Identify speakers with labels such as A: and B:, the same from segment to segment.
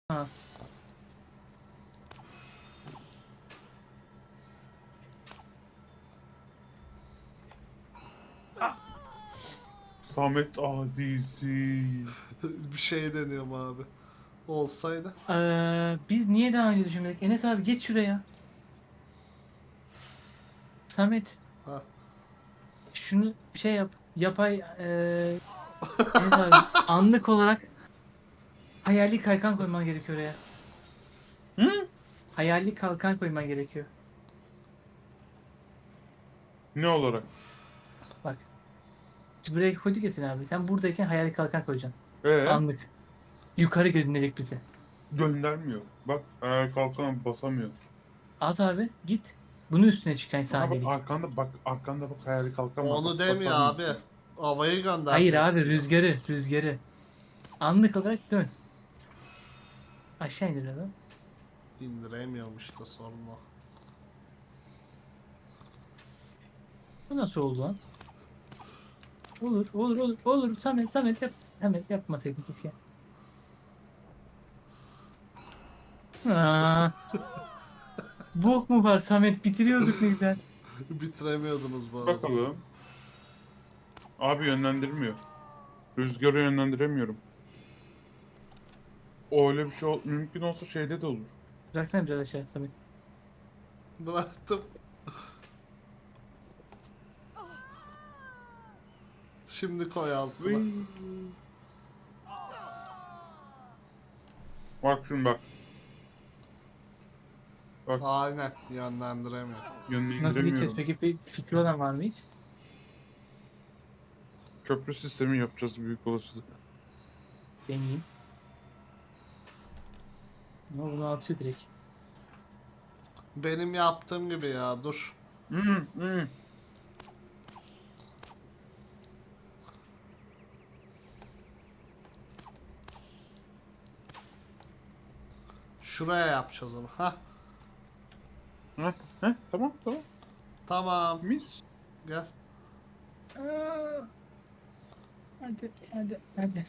A: Ha.
B: Samet Azizi.
C: Bir şey deniyorum abi. Olsaydı.
A: Biz niye daha önce düşünmedik? Enes abi geç şuraya. Samet
C: Ha.
A: şunu şey yap. Yapay Enes abi anlık olarak hayali kalkan koyman gerekiyor oraya.
B: Hı?
A: Hayali kalkan koyman gerekiyor.
B: Ne olarak?
A: Bak. Biz buraya koyduk ya seni abi. Sen buradayken hayali kalkan koyacaksın. Anlık. Yukarı gönderecek bizi.
B: Göndermiyor. Bak ayağa kalkan basamıyor.
A: Az abi git. Bunun üstüne çıkacaksın
B: Aha bak
A: saniyelik.
B: arkanda bak hayali kalkan var.
C: Onu
B: Bak,
C: demiyor
B: basamıyor.
C: abi. Havayı
A: Hayır abi
C: gönderecek diyor.
A: rüzgarı. Anlık olarak dön. Aşağı indir adam.
C: İndiremiyormuş da sorun o.
A: Bu nasıl oldu lan? Olur. Samet yap. Samet yapmasaydın keşke. Aa, bok mu var Samet? Bitiriyorduk ne güzel.
C: Bitiremiyordunuz bu arada.
B: Bakalım. Abi yönlendirmiyor. Rüzgarı yönlendiremiyorum. O öyle bir şey mümkün olsa şeyde de olur.
A: Bıraksana biraz aşağı Samet.
C: Bıraktım. Şimdi koy altına.
B: Vıy. Bak şimdi bak. Bak
C: Aynen yönlendiremiyor.
A: Nasıl geçeceğiz
B: yönlendiremiyorum.
A: peki? Bir fikri olan var mı hiç?
B: Köprü sistemi yapacağız büyük olasılık.
A: Deneyeyim. Ama bunu atıyor direkt.
C: Benim yaptığım gibi ya dur.
B: Hı.
C: Şuraya yapacağız onu. Ha
B: Heh, tamam.
C: tamam.
B: Mis.
C: Gel.
A: Hadi.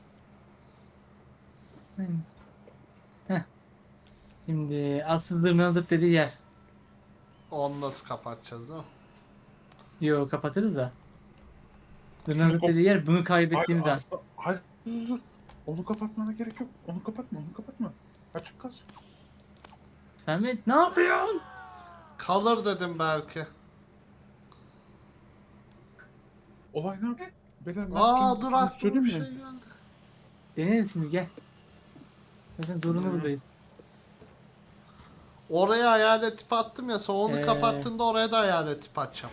A: Heh. Şimdi asıl zırnağın zırt dediği yer.
C: Onu nasıl kapatacağız değil mi?
A: Yo kapatırız da. Zırnağın
B: Şunu
A: zırt dediği yer bunu kaybettiğimiz an.
B: Hayır, dur. Onu kapatmana gerek yok. Onu kapatma. Açık kalsın.
A: Samet ne yapıyorsun?
C: Kalır dedim belki.
B: Olay ne yapayım? Beyler ne
C: Aa
B: yapacağımızı
C: dur
B: sana
C: aklıma
B: söyleyeyim
C: bir şey
B: mi?
C: geldi.
A: Deneriz şimdi gel. Zaten zorunlu buradayız.
C: Oraya hayalet tip attım ya sonra onu
A: Ee.
C: kapattığında oraya da hayalet tip atacağım.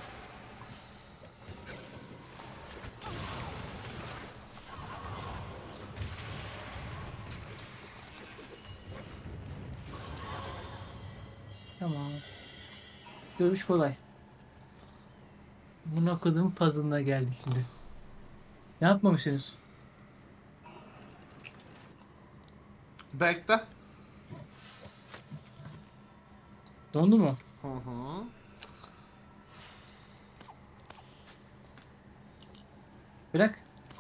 A: Tamam. Dövüş kolay. Buna kodum puzzle'ına geldik şimdi. Ne yapmamışsınız?
C: Bekle.
A: Dondu mu?
C: Hı hı.
A: Bırak.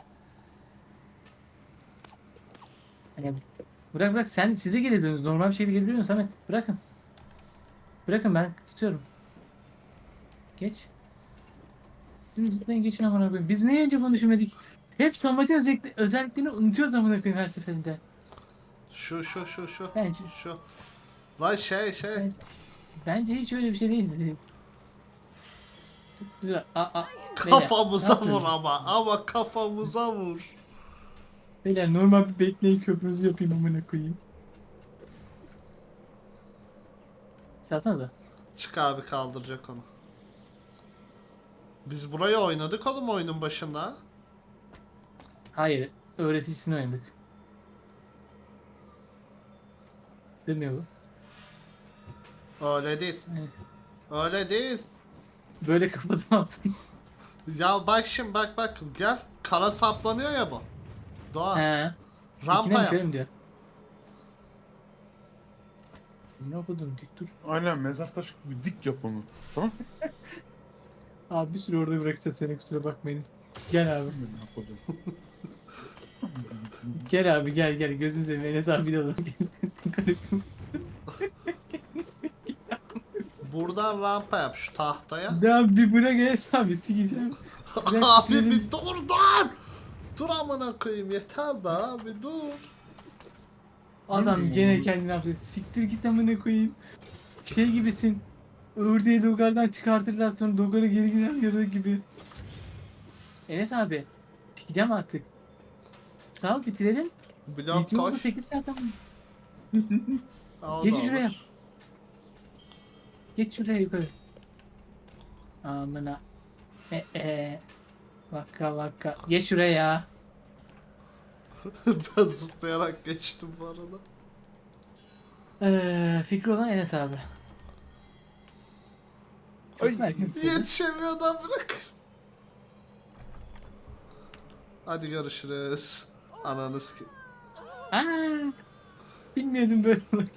A: Yani bırak sen size gelebiliyorsunuz. Normal bir şekilde gelebiliyorsunuz Samet. Bırakın ben tutuyorum. Geç. Şimdi zıplayın geçin amına koyayım. Biz niye önce bunu düşünmedik? Hep Samet'in özelliklerini unutuyoruz amına koyayım her seferinde.
C: Şu.
A: Bence,
C: Şu. Lan şey.
A: bence, bence hiç öyle bir şey değil. Çok güzel.
C: Kafamıza
A: Beyler, ne
C: vur
A: yapıyorsunuz?
C: ama kafamıza vur.
A: Beyler normal bir bekleyin köprünüzü yapayım amına koyayım. Salsana da.
C: Çık abi kaldıracak onu. Biz burayı oynadık oğlum oyunun başında.
A: Hayır. Öğreticisini oynadık. Demiyor bu.
C: Öyle değil.
A: Evet.
C: Öyle değil.
A: Böyle kapatamazsın.
C: Ya bak şimdi bak gel. Kara saplanıyor ya bu. Doğa.
A: He.
C: Rampa
A: İkine mi
C: yap.
A: şöyle mi diyor? Ne okudun dik dur.
B: Aynen mezar taşı gibi dik yap onu. Tamam mı?
A: Abi bir süre orada bırakacağız seni kusura bakmayın. Gel abi.
B: Ne yapalım?
A: Gel abi gel gözünü seveyim Enes abi de alalım.
C: Buradan rampa yap şu tahtaya.
A: Ya bir bırak Enes abi sikeceğim. Bırak
C: Abi
A: bitirelim.
C: bir dur. Dur amına koyayım yeter de abi dur.
A: Adam gene kendini affet. Siktir git amına koyayım. Şey gibisin. Ördeği dogardan çıkartırlar sonra dogarı geri gider yarı gibi. Enes abi. Sikeceğim artık. Sağ ol bitirelim.
C: Blok
A: Video oldu
C: koş.
A: 8 saat ama.
C: Ha, o
A: Geç
C: da
A: şuraya.
C: olur.
A: Geç şuraya yukarı. Amına. Vakka vakka. Geç şuraya ya.
C: Ben zıplayarak geçtim bu arada.
A: Fikri olan Enes abi. Çok
B: Ay,
A: merkez.
C: Yetişemiyordan bırak. Hadi görüşürüz. Ananız ki.
A: Aa, bilmiyordum böyle olacak.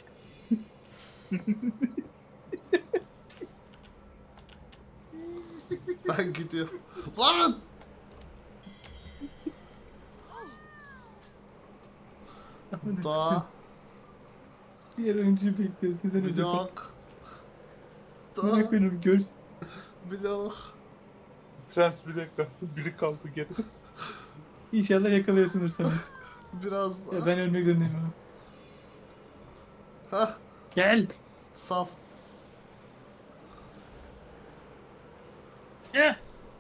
C: Ben gidiyorum. Lan! Daha
A: Diğer oyuncuyu bekliyoruz. Neden öyle?
C: blok.
A: Merak
C: Daha
A: ediyorum gör.
C: blok.
B: Prens bir dakika. Biri kaldı geri.
A: İnşallah yakalıyorsundur sen.
C: Biraz
A: Ya
C: daha.
A: ben ölmek zorundayım ama.
C: Hah,
A: Gel.
C: sal.
A: Ya.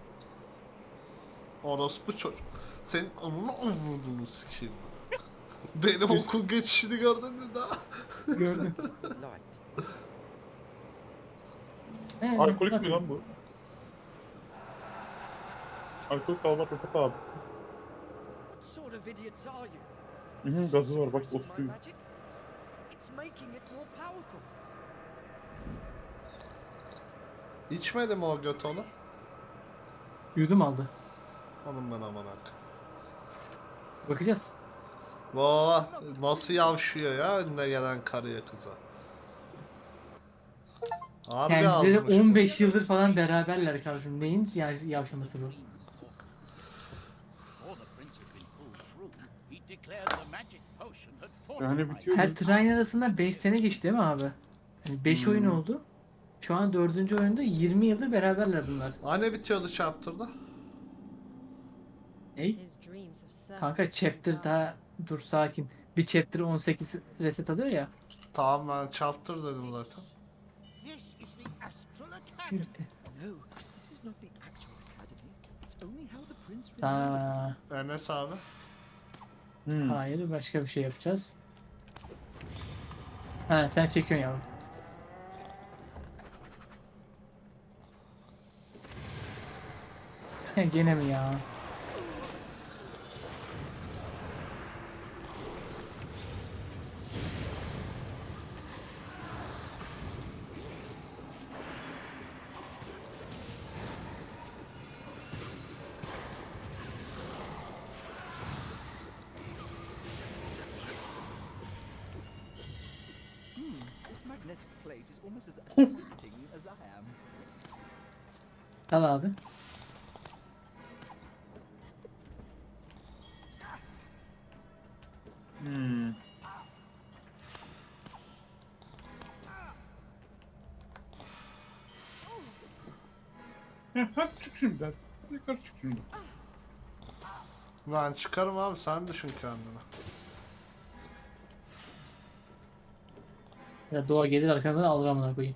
C: Orospu çocuk. Senin amına vurduğunu sikeyim. Benim okul geçişini gördün mü daha?
A: Gördüm.
B: Alkolik mi lan bu? Alkolik almak Rıfat abi.
D: Sort of idiots are you?
B: Hı,
D: Is this
B: gazı var bak
D: suppressing my
B: osuruyor.
D: magic? It's making it more powerful.
C: İçmedi mi o göt onu?
A: Yudum aldı.
C: Onun ben aman hak.
A: Bakacağız.
C: Vaa nasıl yavşıyor ya önüne gelen karıya kıza. Harbi
A: Kendileri
C: azmış bu.
A: 15 yıldır falan beraberler kardeşim. Neyin yavşaması bu?
E: Before the prince had been pulled through, he declared the magic potion had
B: Yani
E: fortified
B: bitiyor.
A: Her Train arasında 5 sene geçti değil mi abi? Yani 5 oyun oldu. Şu an 4. oyunda 20 yıldır beraberler bunlar.
C: Hani bitiyordu chapter'da?
A: Ney?
F: His dreams of self.
A: Kanka chapter daha dur sakin. Bir chapter 18 reset alıyor ya.
C: Tamam ben chapter dedim zaten.
E: This is the Astral Academy.
A: Yürüdü.
D: No, this is not the actual academy. It's only how the prince
A: Aa,
C: Enes abi.
A: hayır başka bir şey yapacağız. Ha sen çekiyorsun yavrum. Gene mi ya?
D: This magnetic plate is almost as attracting as I am.
A: Al abi.
B: Hmm. Hadi çık şimdi hadi. Yukarı çık şimdi.
C: Lan çıkarım abi sen düşün kendine.
A: Ya doğa gelir arkandan alır amına koyayım.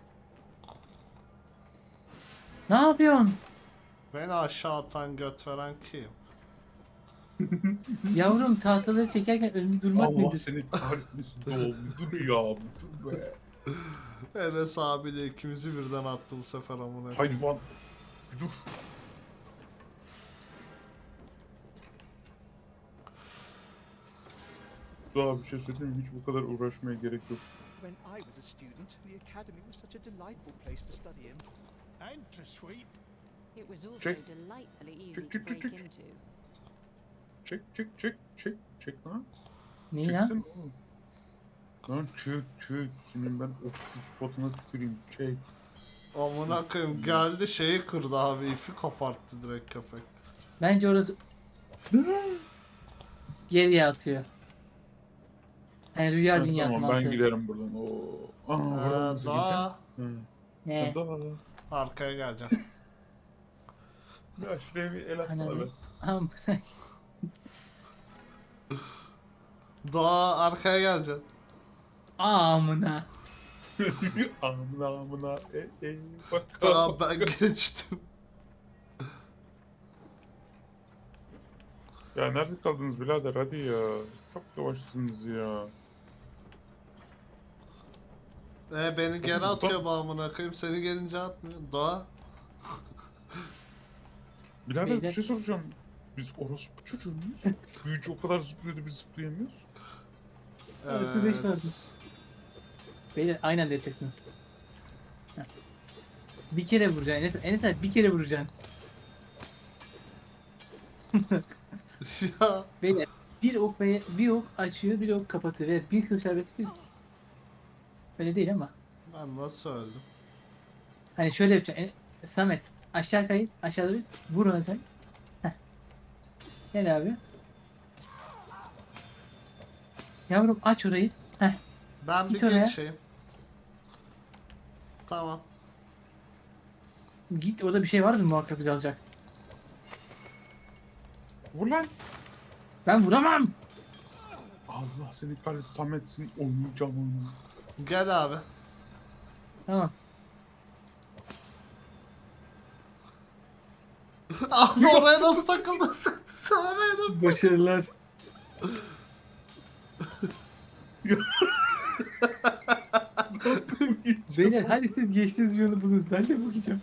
A: Ne yapıyorsun?
C: Beni aşağı atan göt veren kim?
A: Yavrum tahtaları çekerken önünde durmak
B: Allah
A: nedir?
B: seni kahretmesin oğlum. Dur ya. Dur be.
C: Enes abiyle ikimizi birden attı bu sefer amına.
B: Hayvan. Dur. Daha bir şey söyleyeyim mi? Hiç bu kadar uğraşmaya gerek yok.
D: When I was a student, the academy was such a delightful place to study in.
E: And to sweep.
F: It was also
B: Check.
F: delightfully easy
B: Check,
F: to
B: check, check,
F: break
B: check.
F: into.
B: Çek lan.
A: Neyi
B: Çeksene
A: lan?
B: oğlum. Lan çek. Senin ben o spotuna tüküreyim. Çek.
C: Amına koyayım geldi şeyi kırdı abi ipi koparttı direkt köpek.
A: Bence orası geriye atıyor. Yani rüya
B: Ha,
A: dünyası
B: tamam ben
A: mantığı.
B: giderim buradan. Oo. Aa, buradan nasıl
C: Daha
B: gideceğim?
A: Ne?
B: Daha.
C: arkaya geleceğim.
B: Ya şuraya bir el atsana
A: Hani-
B: be.
A: Ama sen
C: Daha arkaya geleceksin.
A: amına.
B: Amına amına. Bak.
C: Daha ben geçtim.
B: Ya nerede kaldınız birader hadi ya. Çok yavaşsınız ya.
C: Beni geri atıyor bağımına koyayım. Seni gelince atmıyor. Daha
B: Birader
A: Beyler.
B: bir şey soracağım. Biz orospu çocuğu muyuz? Büyücü o kadar zıplıyordu biz zıplayamıyoruz.
A: Arkadaş vardı.
C: evet.
A: Beyler aynı anda yapacaksınız. Heh. Bir kere vuracaksın. Enes abi bir kere vuracaksın.
C: Ya
A: Beyler bir ok açıyor, bir ok kapatıyor ve bir kılıç arbeti bir... Öyle değil ama.
C: ben nasıl öldüm?
A: Hani şöyle yapacaksın. Samet aşağı kayıt, aşağıda bir vur ona sen. Heh. Gel abi. Yavrum aç orayı. Heh.
C: Ben bir
A: Git oraya.
C: geçeyim. Tamam.
A: Git orada bir şey vardır muhakkak bizi alacak.
B: Vur lan.
A: Ben vuramam.
B: Allah seni kahretsin Samet'sin oynayacağım onu.
C: Gel abi.
A: Tamam.
C: Abi oraya nasıl takıldın sen? Sen oraya nasıl
A: Başarılar. Beyler hadi siz geçtiniz yolu bulun. Ben de bakacağım.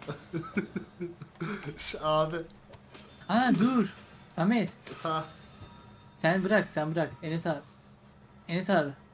C: Abi.
A: Ha dur. Ahmet
C: Ha.
A: sen bırak. Enes abi. Enes abi.